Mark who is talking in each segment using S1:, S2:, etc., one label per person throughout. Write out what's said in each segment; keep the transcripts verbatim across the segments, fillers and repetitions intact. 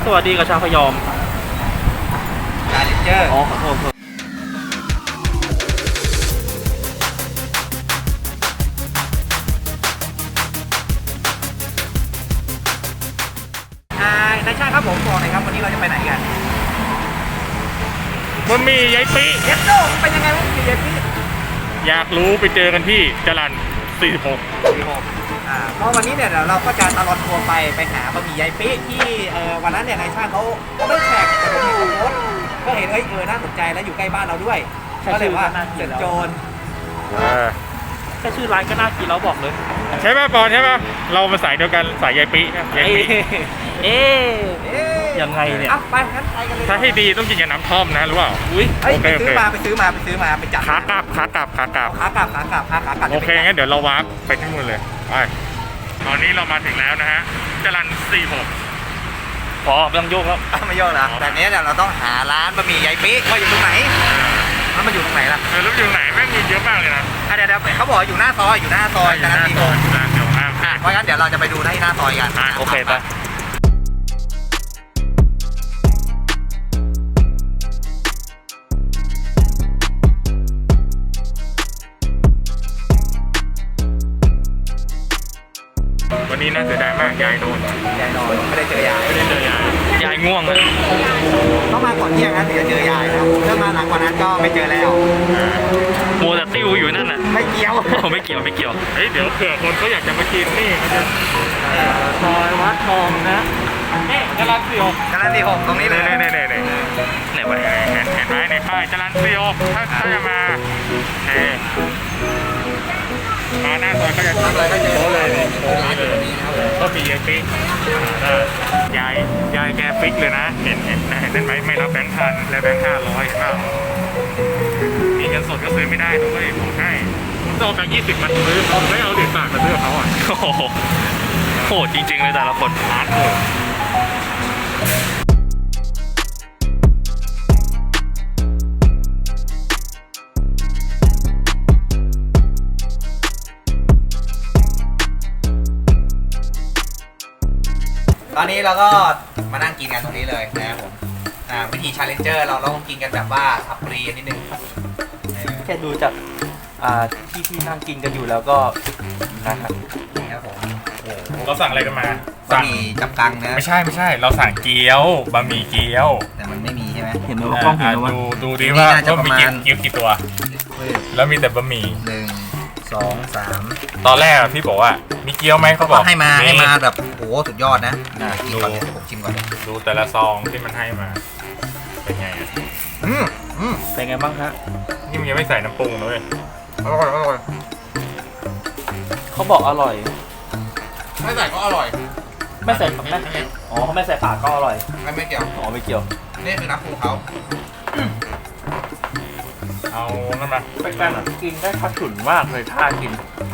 S1: สวัสดีกับชาวพยอม
S2: ชาเลนเจอร์
S1: อ๋อขอโทษ
S2: นายช่างครับผมบอกหน่อยครับวันนี้เราจะไปไหนกัน
S3: มันมียายปี
S2: เย็ดโดเป็นยังไงวะมียายปี
S3: อยากรู้ไปเจอกันที่จรัญสี่สิบหก
S2: อ่าเพราะวันนี้เนี่ยเราก็จะตลอดทัวร์ไปไปหาบะหมี่ยายปีที่เอ่อวันนั้นเนี่ยนายช่างเขาเขาไม่แท็กแต่ผมเห็นเขาโพสต์ก็เห็นเอ้ยเออน่าสนใจแล้วอยู่ใกล้บ้านเราด้วยก็เลยว่าเจ็ดโจร
S1: แค่ชื่อร้านก็น่ากินแล้วบอกเลย
S3: ใช่ป่ะปอนใช่ป่ะเรามาสายเดียวกันสายยายปียายปี
S1: เอ๊ยังไงเนี่ย
S2: ไปงั้นไปกันเลย
S3: ถ้าให้ดีต้องกินกับน้ำท่อมนะรู้เปล่า
S1: อุ้ย
S2: ไปซื้อมาไปซื้อมาไปซื้อมาไปจัด
S3: ขากลับขากลับขากลับ
S2: ขากลับขากลับขากลับ
S3: โอเคงั้นเดี๋ยวเราวาร์ปไปที่นู่นเลยไปตอนนี้เรามาถึงแล้วนะฮะจรัญสี่สิบหก
S1: พอไม่ต้องโยกแล้ว
S2: ไม่โยกแล้วแต่เนี้ยเราต้องหาร้านบะหมี่ยายปีว่าอยู่ตรงไหนแล้วมันอยู่ตรงไหนล่ะ
S3: เออแล้วอยู่ไหนแม่งมีเยอะมากเลยนะ
S2: เดี๋ยวเขาบอกอยู่หน้าซอยอยู่หน้าซอยจรัญสี่สิบหกเพราะงั้นเดี๋ยวเราจะไปดูที่หน้าซอยกัน
S1: โอเคไป
S3: วันนี้น่าเสียดายมากยายโดน
S2: ยายนอนไม่ได้เจอยาย
S3: ไม่ได้เจอยาย
S1: ยายง่วงเลย
S2: ต้องมาก่อนเที่ยงนะถึงจะเจอยายนะถ้ามาหลังกว่านั้นก็ไม่เจอแล้ว
S1: มัวแต่ติ้วอยู่นั่นน่ะ
S2: ไม่เกี่ยว
S1: ผมไม่เกี่ยวไม่เกี่ยว
S3: เฮ้ยเดี๋ยวเผื่อคนเขาอยากจะมากินนี่เขาจะ
S1: ซอยวัดทองนะ
S3: นี่จรัญสี่สิบหก
S2: จรัญสี่สิบหกตรงนี้เลย
S3: เนี่ยเนี่ยเนี่ย
S1: ไหนวะ
S3: เห็นเห็นไหมในป้ายจรัญสี่สิบหกถ้าถ้าจะมาเอมาหน้าซอยก็จะ
S2: ทำอะไรก็เจอเลย
S3: ร้านอยู่ตรงนี้ก็มียายปิ๊กยายยายแกปิ๊กเลยนะเห็นเห็นเห็นนั่นไหมไม่รับแบงค์พันและแบงค์ห้าร้อยเห็นเปล่ามีเงินสดก็ซื้อไม่ได้ด้วยบอกให้ผมเอาแบงค์ยี่สิบมาซื้อเขาไม่เอาเหรียญบาทมาซื้อเขาอ่ะ
S1: โอ้โหโหดจริงๆเลยแต่ละคน
S3: ร้านโหด
S2: ตอนนี้เราก็มานั่งกินกันตรงนี้เลยนะครับผมวิธีชาเลนเจอร์เราเรากินกันแบบว่าอัปรีนิดนึง
S1: แค่ดูจากที่ที่นั่งกินกันอยู่แล้วก็นะครับ
S2: นี่ครับผม
S3: เราสั่งอะไรกันมา
S2: บะหมี่จับกังนะ
S3: ไม่ใช่ไม่ใช่เราสั่งเกี๊ยวบะหมี่เกี๊ยว
S2: แต่มันไม่มีใช่ไหม
S1: เห็นไหมว่ากล้องเห็นว่า
S3: ดูดูดิว่าว่ามีเกี๊ยวกี่ตัวแล้วมีแต่บะหมี่
S2: หนึ่งสองสาม
S3: ตอนแรกพี่บอกว่ามีเกี๊ยวไหมเขาบอก
S2: ให้มาให้มาแบบโอ้สุดยอดนะกินก่อนเลยผมชิมก่อน
S3: ดูแต่ละซองที่มันให้มาเป็นไง
S2: อืมอืม
S1: เป็นไงบ้างฮะ
S3: นี่มันยังไม่ใส่น้ำปรุงเลย
S2: อร่อยอร่อย
S1: เขาบอกอร่อย
S2: ไม่ใส่ก็อร่อย
S1: ไม่ใส่ผักนะอ๋อเขาไม่ใส่ผักก็อร่อย
S2: ไม่ไม่เกี่ยว
S1: อ๋อไม่เกี่ยว
S2: นี่คือน้ำปรุงเขา
S3: เอานั่นมา
S1: เป็นการกินได้ทัดฉุนมากเลยท่ากิน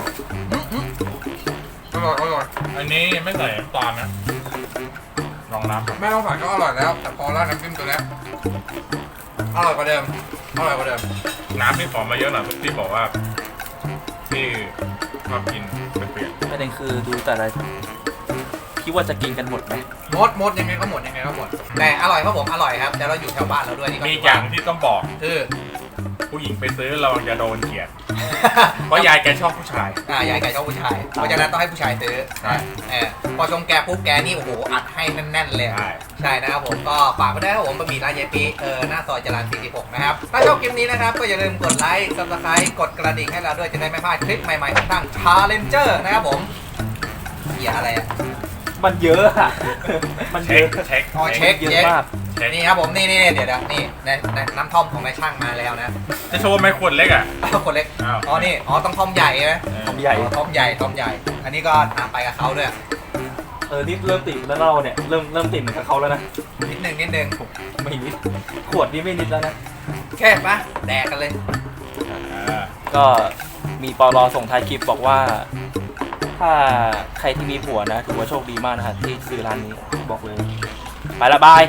S2: อร่อยอร่อย
S3: อันนี้ไม่ใส่น้ำตาลนะลองน้ำ
S2: ไม่ต้องใส่ก็อร่อยแล้วแต่พอแล้วน้ำจิ้มตัวนี้อร่อยกว่าเดิมอร่อยกว่าเดิม
S3: น้ำที่ขอมาเยอะหน่อยที่บอกว่าที่ชอบกินเป็นเปลี่ยน
S1: ประเด็นคือดูแต่ละคิดว่าจะกินกันหมดไหม
S2: หมดหมดยังไงก็หมดยังไงก็หมดแต่อร่อยครับผมอร่อยครับแต่เราอยู่แถวบ้านเราด้วยนี่ก็
S3: มีอย่างที่ต้องบอก
S2: คือ
S3: ผู้หญิงไปซื้อเราจะโดนเกลียดเพราะยายแกชอบผู้ชาย
S2: อ่ายายแกชอบผู้ชายเพราะฉะนั้นต้องให้ผู้ชายซื้อ
S3: ใช่
S2: เออพอชมแกปุ๊บแกนี่โอ้โหอัดให้แน่นๆเลยใช่นะครับผมก็ฝากไปได้ครับผมบะหมี่ร้านยายปีเออหน้าซอยจรัญสี่สิบหกนะครับถ้าชอบคลิปนี้นะครับก็อย่าลืมกดไลค์ ซับสไครบ์ กดกระดิ่งให้เราด้วยจะได้ไม่พลาดคลิปใหม่ๆของทาง Challenger นะครับผมเหี้ยอะไรอ่ะ
S1: มันเยอะอะมันเยอะ
S3: เช็ค
S2: อ๋อเช็คเยอะมากนี่ครับผมนี่นี่เดี๋ยวเดี๋ยวนี่น้ำท่อมของนายช่างมาแล้วนะ
S3: จะโชว์ไหมขวดเล็กอ่ะ
S2: ขวดเล็กอ๋อนี่อ๋อต้องท่อมใหญ่ไหม
S1: ท่อมใหญ่
S2: ท่อมใหญ่ท่อมใหญ่อันนี้ก็ตามไปกับเขาด้วย
S1: เออนี่เริ่มติดแล้วเราเนี่ยเริ่มเริ่มติดเหมือนกับเขาแล้วนะ
S2: นิดนึงนิดนึง
S1: ไม่นิดขวดนี้ไม่นิดแล้วนะ
S2: แค่ปะแดกกันเลย
S1: ก็มีปลส่งท้ายคลิปบอกว่าถ้าใครที่มีผัวนะถือว่าโชคดีมากนะฮะที่ซื้อร้านนี้บอกเลยไปละบาย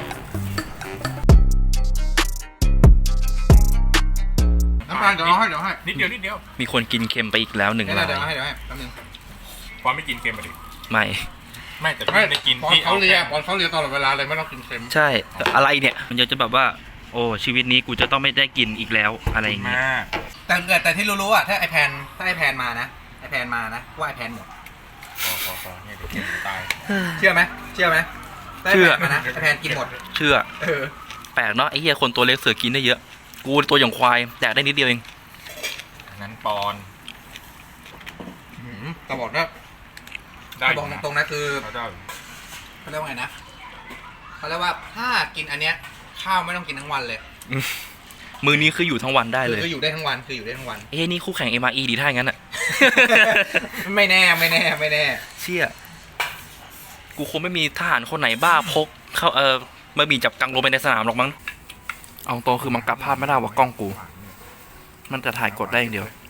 S2: น้ำตาลเดี๋ยวให้เดี๋ยวให้
S3: นิดเดียวนิดเดียว
S1: มีคนกินเค็มไปอีกแล้วหนึ่ง
S2: รายเดี๋ยวให้เดี๋ยวให้แป๊บนึง
S3: ความไม่กินเค็มไปดิ
S1: ไม่
S3: ไม่แต่
S4: ไม่
S3: พี่ไม่กิน
S4: ปอน
S3: พี่
S4: เขาเลีย
S3: แค่
S4: ปอนเขาเลียตลอดเวลาเลยไม่ต้องกินเค็ม
S1: ใช่แต่อะไรเนี่ยมันจะแบบว่า โอ้ชีวิตนี้กูจะต้องไม่ได้กินอีกแล้วอะไรอย่างเงี้ย
S3: มาก
S2: แต่แต่แต่ที่รู้ๆอ่ะถ้าไอแพนถ้าไอแพนมานะไอแพนมานะว่าไอแพนหมด
S3: พอพอพอเนี่ยเดี๋ยวเค็มจะตาย
S2: เชื่อไหมเชื่อไหมถ้าไอ
S1: เชื่อ
S2: แพนมานะไอแพนกินหมด
S1: เชื่อ
S2: เออ
S1: แปลกเนาะไอ้เหี้ยคนตัวเล็กเสือกินได้เยอะ กูตัวอย่างควายแดกได้นิดเดียวเอง
S3: อันนั้นปอน
S2: หืมแต่บอกว่า
S3: ได้
S2: บอกตรงๆนะคือ
S3: เขาได้
S2: เขาเรียกว่าไงนะเขาเรียกว่าถ้ากินอันเนี้ยข้าวไม่ต้องกินทั้งวันเลย
S1: มือนี้คืออยู่ทั้งวันได้
S2: คือ
S1: เลย
S2: คืออยู่ได้ทั้งวันคืออยู่ได้ทั้งวัน
S1: เอ้ยนี่คู่แข่ง เอ็ม อาร์ อี ดีถ้าอย่างนั้นอะ
S2: ไม่แน่ไม่แน่ไม่แน่
S1: เชี่ยกูคงไม่มีทหารคนไหนบ้าพกเข้าเออมาบีจับกังลงไปในสนามหรอกมั้งเอาตรงคือมันกลับภาพไม่ได้ว่ากล้องกู มันจะถ่ายกดได้อย่างเดียว